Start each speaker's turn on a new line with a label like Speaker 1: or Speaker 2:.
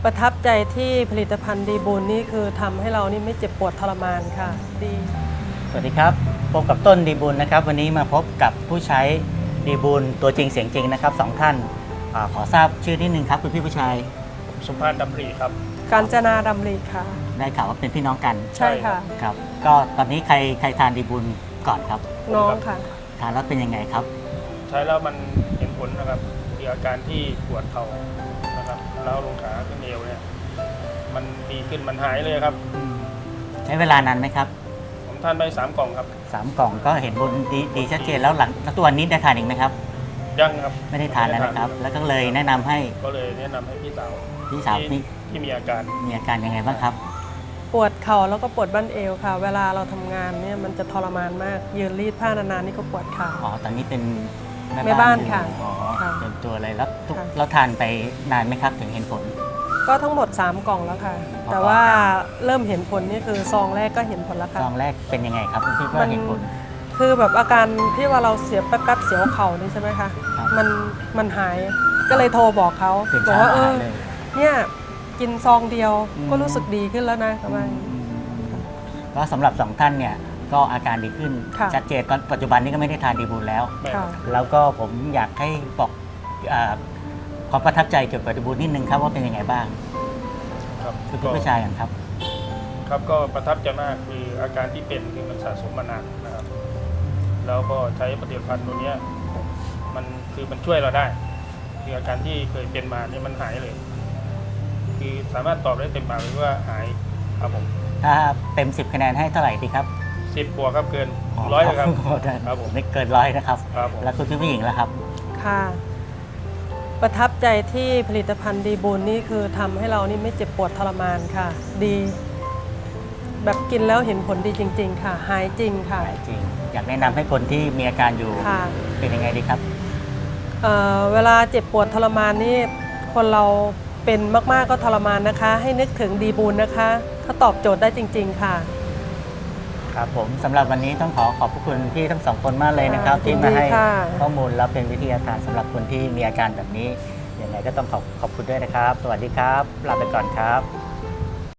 Speaker 1: ประทับใจที่ผลิตภัณฑ์ดีบูลนี่คือทำให้เรานี่ไม่เจ็บปวดทรมานค่ะดี
Speaker 2: สวัสดีครับพบกับต้นดีบุญนะครับวันนี้มาพบกับผู้ใช้ดีบุญตัวจริงเสียงจริงนะครับสองท่านขอทราบชื่อนิดนึงครับคุณพี่ผู้ชาย
Speaker 3: สุภาพดำริครับ
Speaker 1: กาญจนาดำริค่ะ
Speaker 2: ได้ข่าวว่าเป็นพี่น้องกัน
Speaker 1: ใช่ค่ะ
Speaker 2: ครับก็ตอนนี้ใครทานดีบุญก่อนครับ
Speaker 1: น้องค่ะ
Speaker 2: ทานแล้วเป็นยังไงครับ
Speaker 3: ใช้แล้วมันเห็นผลนะครับมีอาการที่ปวดเข่านะครับแล้วลงขาขึ้นเอวเนี่ยมันดีขึ้นมันหายเลยครับ
Speaker 2: ใช้เวลานานไหมครับ
Speaker 3: ผมทานไป3 กล่องครับ
Speaker 2: 3 กล่องก็เห็นผลดีชัดเจนแล้วหลังแล้วตัวนี้ได้ทานอีกไหมครับ
Speaker 3: ยังครับ
Speaker 2: ไม่ได้ทานแล้วนะครับ แล้วก็เลยแนะนำให้
Speaker 3: ก็เลยแนะนำให้พี่สาว
Speaker 2: พี่สาวนี่
Speaker 3: ที่มีอาการ
Speaker 2: มีอาการยังไงบ้างครับ
Speaker 1: ปวดเข่าแล้วก็ปวดบั้นเอวค่ะ เวลาเราทำงานเนี่ยมันจะทรมานมาก ยืนรีดผ้านานๆนี่ก็ปวดเข่า
Speaker 2: อ๋อตอนนี้เป็น
Speaker 1: แม่บ้านค่ะ
Speaker 2: อยู่อ๋อ
Speaker 1: ค่ะ
Speaker 2: เต็มตัวเลยแล้ว
Speaker 1: ค่ะ
Speaker 2: เราทานไปนานไหมครับถึงเห็นผล
Speaker 1: ก็ทั้งหมด 3 กล่องแล้วค่ะ แต่ว่าเริ่มเห็นผลนี่คือซองแรกก็เห็นผลแล้วค่ะ
Speaker 2: ซองแรกเป็นยังไงครับคุณพี่
Speaker 1: มั
Speaker 2: ว่าน เห็นผล
Speaker 1: คือแบบอาการที่ว่าเราเสียแป๊บๆเสียวเข่านี่ใช่ไหมคะ
Speaker 2: ครับ
Speaker 1: มันหายก็เลยโทรบอกเขา
Speaker 2: ตื่น
Speaker 1: บอก
Speaker 2: เช้า
Speaker 1: ว่า
Speaker 2: มาหายเลย
Speaker 1: เนี่ยกินซองเดียว
Speaker 2: อืม
Speaker 1: ก็รู้สึกดีขึ้นแล้วนะประมาณ
Speaker 2: ก็สำหรับ2ท่านเนี่ยก็อาการดีขึ้น
Speaker 1: ค่ะ
Speaker 2: ชัดเจนตอนปัจจุบันนี้ก็ไม่ได้ทานดีบูลแล้ว
Speaker 3: แม่
Speaker 1: ค่ะ
Speaker 2: แล้วก็ผมอยากให้บอกความประทับใจเกี่ยวกับดีบูลนิดนึงครับว่าเป็นยังไงบ้าง
Speaker 3: ครับ
Speaker 2: คือพี่ผู้ชายกันครับ
Speaker 3: ครับก็ประทับใจมากคืออาการที่เป็นคือมันสะสมมานานนะครับแล้วก็ใช้ผลิตภัณฑ์ตัวเนี้ยมันช่วยเราได้คืออาการที่เคยเป็นมาเนี่ยมันหายเลย คือสามารถตอบได้เต็มปากเลยว่าหายครับผม
Speaker 2: ถ้าเต็ม 10 คะแนนให้เท่าไหร่ดีครับ
Speaker 3: 10 บวกครับเกิน100เลยครับ ครับผม
Speaker 2: ไม่เกิน100นะครับ
Speaker 3: ครับผม
Speaker 2: แล้วคุณพี่ผู้หญิงล่ะครับ
Speaker 1: ค่ะ ประทับใจที่ผลิตภัณฑ์ดีบูลนี่คือทำให้เรานี่ไม่เจ็บปวดทรมานค่ะ ดี แบบกินแล้วเห็นผลดีจริง ๆ ค่ะ หายจริงค่ะ
Speaker 2: จริง อยากแนะนำให้คนที่มีอาการอยู่
Speaker 1: ค่ะ
Speaker 2: เป็นยังไงดีครับ
Speaker 1: เวลาเจ็บปวดทรมานนี่คนเราเป็นมากๆก็ทรมานนะคะ ให้นึกถึงดีบูลนะคะเขาตอบโจทย์ได้จริง ๆ ค่ะ
Speaker 2: ครับผมสำหรับวันนี้ต้องขอบพระคุณพี่ทั้งสองคนมากเลยนะครับ
Speaker 1: ค่ะ
Speaker 2: ที่มาให้
Speaker 1: ยินดีค่ะ
Speaker 2: ข้อมูลและเป็นวิทยาทานสำหรับคนที่มีอาการแบบนี้ยังไงก็ต้องขอบคุณด้วยนะครับ สวัสดีครับลาไปก่อนครับ